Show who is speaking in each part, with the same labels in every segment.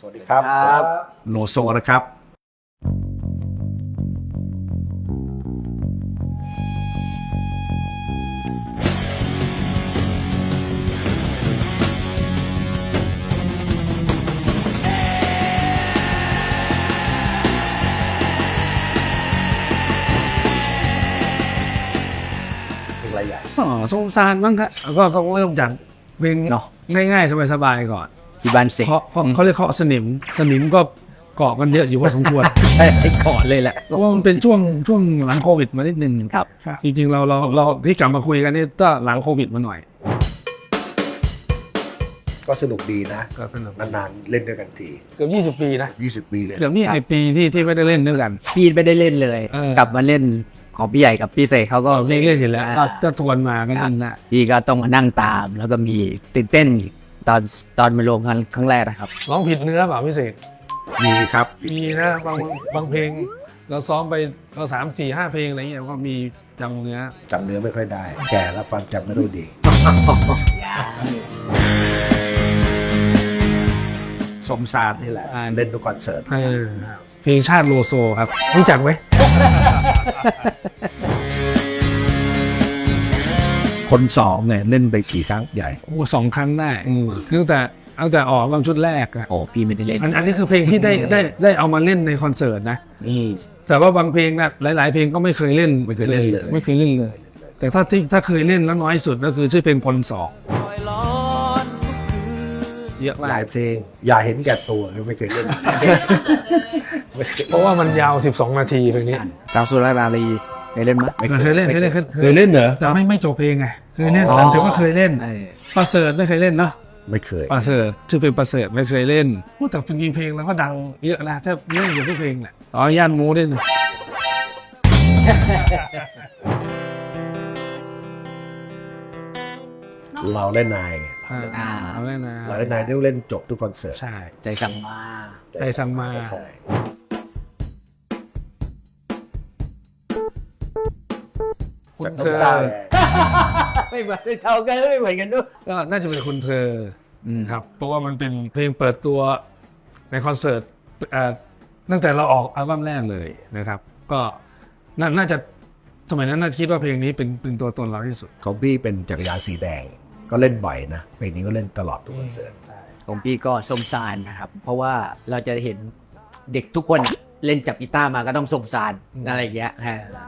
Speaker 1: วัสดีครับโลโซนะครับอะไรใหญ่
Speaker 2: สงสารบ้างครับก็ต้องเริ่มจากเพลง
Speaker 3: เนาะ
Speaker 2: ง่ายๆสบายๆก่อน
Speaker 3: ที่บ้านเสก
Speaker 2: เพราะเขาเรียกเขาสนิมก็เกาะกันเยอะอยู่พอสมควร
Speaker 3: ใช่ก่อนเลยแหละ
Speaker 2: เพราะว่ามันเป็นช่วงหลังโควิดมานิดนึง
Speaker 3: ครับ
Speaker 2: จริงๆเราที่กลับมาคุยกันนี่ก็หลังโควิดมาหน่อย
Speaker 1: ก็สนุกดีนะ
Speaker 2: ก็สนุก
Speaker 1: นานๆเล่นด้วยกันที
Speaker 2: เกือบ20 ปีนะ
Speaker 1: 20 ปีเลย
Speaker 2: เกือบ20 ปีที่ไม่ได้เล่นด้วยกัน
Speaker 3: พี่ไม่ได้เล่นเลย กลับมาเล่นของพี่ใหญ่กับพี่เสกเขาก็
Speaker 2: เล่นอยู่แล้วก็ทวนมากันนั่นนะ
Speaker 3: พี่ก็ต้องมานั่งตาม แล้วก็มีตื่นเต้นอีกตอนมาลงกันครั้งแรกนะครับ
Speaker 2: ร้องผิดเนื้อเปล่าพี่เสก
Speaker 1: มีครับ
Speaker 2: มีนะบางเพลงเราซ้อมไปเรา3-4-5 เพลงอะไรเงี้ยก็มีจำเนื้อ
Speaker 1: จำเนื้อไม่ค่อยได้ แก่แล้วความจำไม่รู้ดี สมซานนี่แหละ เล่นทุกคอนเสิร์ต
Speaker 2: เพลงชาติโลโซครับรู้จักไหม
Speaker 1: คนสองเนี่ยเล่นไปกี่ครั้งใหญ่
Speaker 2: โอ้2 ครั้งได้ตั้งแต่ออกบางชุดแรกอะ
Speaker 3: โอ้พี่ไม่ได้เล่น
Speaker 2: อันนี้คือเพลงที่ได้เอามาเล่นในคอนเสิร์ตนะแต่ว่าบางเพลงนะหลายๆเพลงก็ไม่เคยเล่น
Speaker 1: ไม่เคยเล่นเลย
Speaker 2: ไม่เคยเล่นเลย แต่ถ้าเคยเล่นแล้วน้อยสุดก็คือชื่อเพลงคนสองเยอะมา
Speaker 1: หลาก ยเพลงอย่าเห็นแก่ตัวไม่เคยเล่น
Speaker 2: เพราะว่ามันยาว12 นาทีเพลงนี้
Speaker 3: ตามสุรานารีเคยเล่นมั้ย
Speaker 2: เคยเล่น
Speaker 1: เคยเล่นเหรอ
Speaker 2: แต่ไม่จบเพลงไงเคยเล่นถือว่าเคยเล่นประเสริฐไม่เคยเล่นเนาะ
Speaker 1: ไม่เคย
Speaker 2: ประเสริฐชื่อเป็นประเสริฐไม่เคยเล่นแต่จริงๆเพลงแล้วก็ดังเยอะนะถ้าเล่นอยู่ทุกเพลงแหละย่านมูด้วยนะ
Speaker 1: เราเล่นนาย
Speaker 2: เอาเล่นนะ
Speaker 1: เราเล่นนายต้องเล่นจบทุกคอนเสิร์ต
Speaker 2: ใช่
Speaker 3: ใจสั่งมา
Speaker 2: ใจสั่งมา
Speaker 1: ใช่
Speaker 2: คุณเธ
Speaker 1: ต้อง
Speaker 2: อ
Speaker 1: สร้าง
Speaker 3: ไม่เหมือนเท่ากันไม่เหมือนกันด้วย
Speaker 2: ก็น่าจะเป็นคุณเธอครับเพราะว่ามันเป็นเพลงเปิดตัวในคอนเสิร์ตตั้งแต่เราออกอัลบั้มแรกเลยนะครับ ก็น่าจะสมัยนั้นน่าคิดว่าเพลงนี้เป็นตัวตนเราที่สุด
Speaker 1: ของพี่เป็นจักรยานสีแดงก็เล่นบ่อยนะเพลงนี้ก็เล่นตลอดทุกคอนเสิร์ต
Speaker 3: ของพี่ก็สมสารนะครับ เพราะว่าเราจะเห็นเด็กทุกคนเล่นจับกีตาร์มาก็ต้องสมสารอะไรอย่างเงี้ย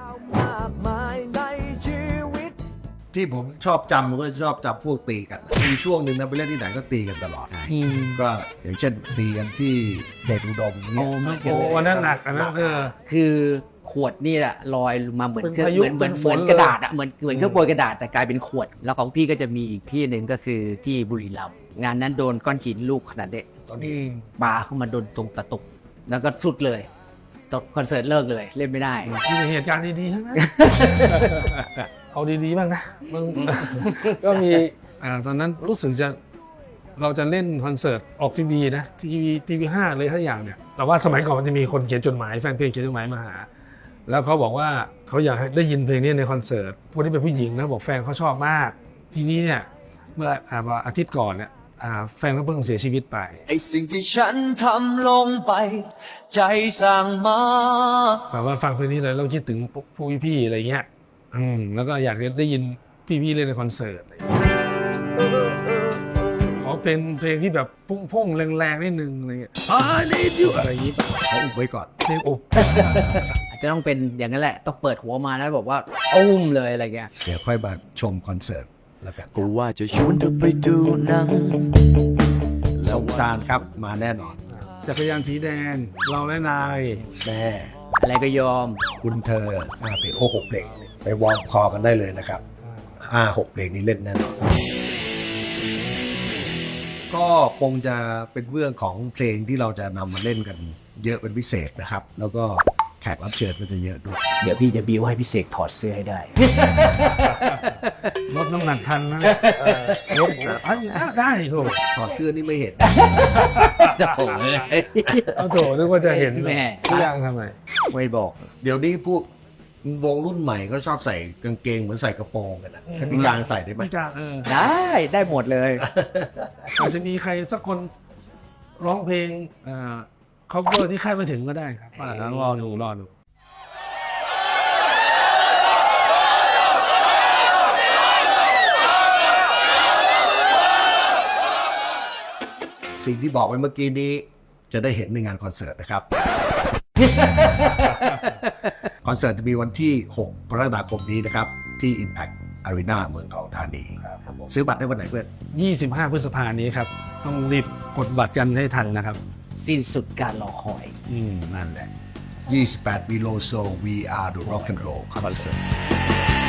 Speaker 1: ที่ผมชอบจำก็ชอบจำพวกตีกันมีช่วงหนึ่งนะไปเล่นที่ไหนก็ตีกันตลอดก็อย่างเช่นตีกันที่เดชอุดม
Speaker 2: โอ้
Speaker 1: เนี่ย
Speaker 2: ไม่โอ้อันนั้นหนักอันนั้น
Speaker 3: คือขวดนี่แหละลอยมาเหมือน
Speaker 2: เป็น
Speaker 3: เครื่อง
Speaker 2: พายุ
Speaker 3: เหมือน
Speaker 2: เป็นฝ
Speaker 3: เหมื
Speaker 2: น
Speaker 3: อนกระดาษอะเหมือนเครื่องโปรยกระดาษแต่กลายเป็นขวด แล้วของพี่ก็จะมีอีกที่หนึ่งก็คือที่บุรีรัมย์งานนั้นโดนก้อนหินลูกขนาดเด็ก
Speaker 1: ตอนนี้
Speaker 3: ปาเข้ามาโดนตรงตะตุกแล้วก็สุดเลยตกคอนเสิร์ตเลิกเลยเล่นไม่ได้
Speaker 2: มีแต่เหตุการณ์ดีๆทั้งนั้น เอาดีๆบ้างนะมึง ก็มีตอนนั้นรู้สึกเราจะเล่นคอนเสิร์ตออกทีวีนะทีวี5เลยทั้งอย่างเนี่ยแต่ว่าสมัยก่อนมันจะมีคนเขียนจดหมายแฟนเพลงเขียนจดหมายมาหาแล้วเขาบอกว่าเขาอยากให้ได้ยินเพลงนี้ในคอนเสิร์ตคนที่เป็นผู้หญิงนะบอกแฟนเขาชอบมากทีนี้เนี่ยเมื่ออาทิตย์ก่อนเนี่ยแฟนเขาเพิ่งเสียชีวิตไป
Speaker 4: ไอสิ่งที่ฉันทำลงไป ใจสั่งมา
Speaker 2: แบบว่าฟังเพลงนี้เลยเราคิดถึงพวกพี่ๆอะไรเงี้ยแล้วก็อยากได้ยินพี่ๆเล่นในคอนเสิร์ตขอเป็นเพลงที่แบบพุ่งๆแรงๆนิดนึงอะไรเงี้ยนี่ดิวอะไรอย่างงี้ป่ะ
Speaker 1: เขาอุบไว้ก่อน
Speaker 2: เพลงอบ
Speaker 3: อาจจะต้องเป็นอย่างนั้นแหละต้องเปิดหัวมาแล้วบอกว่าอุ้มเลยอะไรเงี้ย
Speaker 1: เดี๋ยวค่อยมาชมคอนเสิร์ตแล้วกัน
Speaker 4: กูว่าจะชวนเธอไปดูหนัง
Speaker 1: สงสารครับมาแน่นอน
Speaker 2: จักรยานสีแดงเราและนาย
Speaker 1: แม่
Speaker 3: อะไรก็ยอม
Speaker 1: คุณเธอเพลง6 เพลงไปวอร์มคอกันได้เลยนะครับ6 เพลงนี้เล่นแน่นอนก็คงจะเป็นเรื่องของเพลงที่เราจะนำมาเล่นกันเยอะเป็นพิเศษนะครับ แล้วก็แขกรับเชิญก็จะเยอะด้วย
Speaker 3: เดี๋ยวพี่จะบิวให้พี่เสกถอดเสื้อให้ได้
Speaker 2: ลดน้ำหนักทันนะลดได้โถ
Speaker 1: ถอดเสื้อนี่ไม่เห็น
Speaker 3: จะโผล่เลย
Speaker 2: เอาโถนึกว่าจะเห็น
Speaker 3: แม่
Speaker 2: ทุกอย่างทำไม
Speaker 3: ไม่บอก
Speaker 1: เดี๋ยวนี้พวกวงรุ่นใหม่ก็ชอบใส่กางเกงเหมือนใส่กระโปรงกันนะให้พี่กลางใส่ได้ไหม
Speaker 2: ไม่กล้า
Speaker 3: ได้หมดเลย
Speaker 2: อาจจะมีใครสักคนร้องเพลงcover ที่คาดไม่ถึงก็ได้ครับรอดู
Speaker 1: สิ่งที่บอกไว้เมื่อกี้นี้จะได้เห็นในงานคอนเสิร์ตนะครับ คอนเสิร์ตจะมีวันที่ 6 กรกฎาคมนี้นะครับ ที่ Impact Arena เมืองทองธานี ซื้อบัตรได้วันไหนเพื่อน
Speaker 2: 25 พฤษภาคมนี้ครับต้องรีบกดบัตรกันให้ทันนะครับ
Speaker 3: สิ้นสุดการรอคอย
Speaker 2: นั่นแหละ
Speaker 1: 28 Below Soul We Are the Rock and Roll Concert